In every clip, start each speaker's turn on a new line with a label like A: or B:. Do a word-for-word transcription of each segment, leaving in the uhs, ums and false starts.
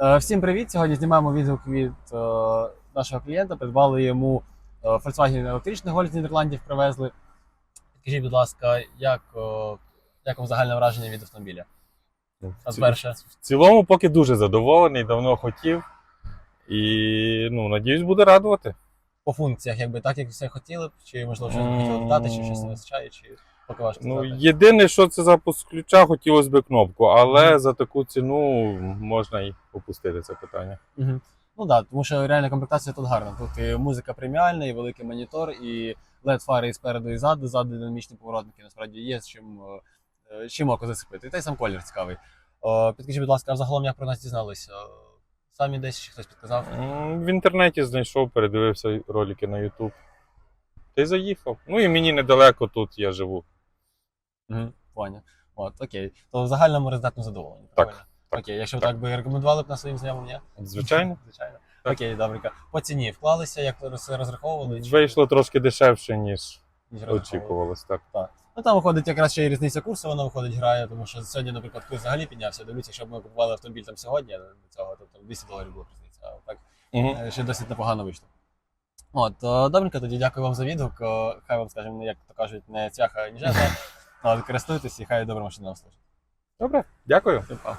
A: Е, Всім привіт! Сьогодні знімаємо відгук від е, нашого клієнта. Придбали йому е, Volkswagen електричний Golf з Нідерландів, привезли. Скажіть, будь ласка, як, е, як вам загальне враження від автомобіля? А перше?
B: В цілому поки дуже задоволений, давно хотів. І, ну, надіюсь, буде радувати.
A: По функціях, якби так, як все хотіли б, чи можливо щось хотіли додати, чи щось не вистачає, чи поки важко
B: Ну,
A: сказати?
B: єдине, що це запуск ключа, хотілося б кнопку, але mm. за таку ціну можна і опустити це питання.
A: Угу. Ну так, да, тому що реальна комплектація тут гарна. Тут і музика преміальна, і великий монітор, і лед-фари і спереду, і ззаду, ззаду динамічні поворотники. Насправді є з чим, чим око зацепити. І та й сам колір цікавий. О, підкажіть, будь ласка, а взагалом як про нас дізналися? Самі десь чи хтось підказав?
B: В інтернеті знайшов, передивився ролики на YouTube. Та й заїхав. Ну і мені недалеко тут я живу.
A: Угу, поняв. От, окей. То в загальному результатно задоволені, правильно?
B: Так. Так,
A: окей, якщо
B: так.
A: так би рекомендували б на своїм знайомим, ні?
B: Звичайно.
A: Звичайно.
B: Так.
A: Окей, добренько. По ціні вклалися, як все розраховували? Чи...
B: Вийшло трошки дешевше, ніж
A: ніж
B: очікувалось. Так.
A: Так. Ну там виходить якраз ще й різниця курсу, вона виходить, грає, тому що сьогодні, наприклад, курс взагалі піднявся. Дивлюся, якщо б ми купували автомобіль там сьогодні, до цього, то там двісті доларів була різниця. А так
B: Угу.
A: ще досить непогано вийшло. От, добренько, тоді дякую вам за відгук. Хай вам, скажімо, як то кажуть, не цвяха, ні жезла. Але користуйтесь і хай добра машина вам служить.
B: Добре, дякую.
A: Па.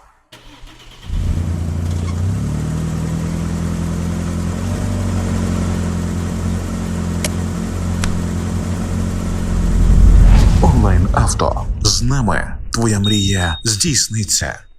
C: Онлайн авто. З нами твоя мрія здійсниться.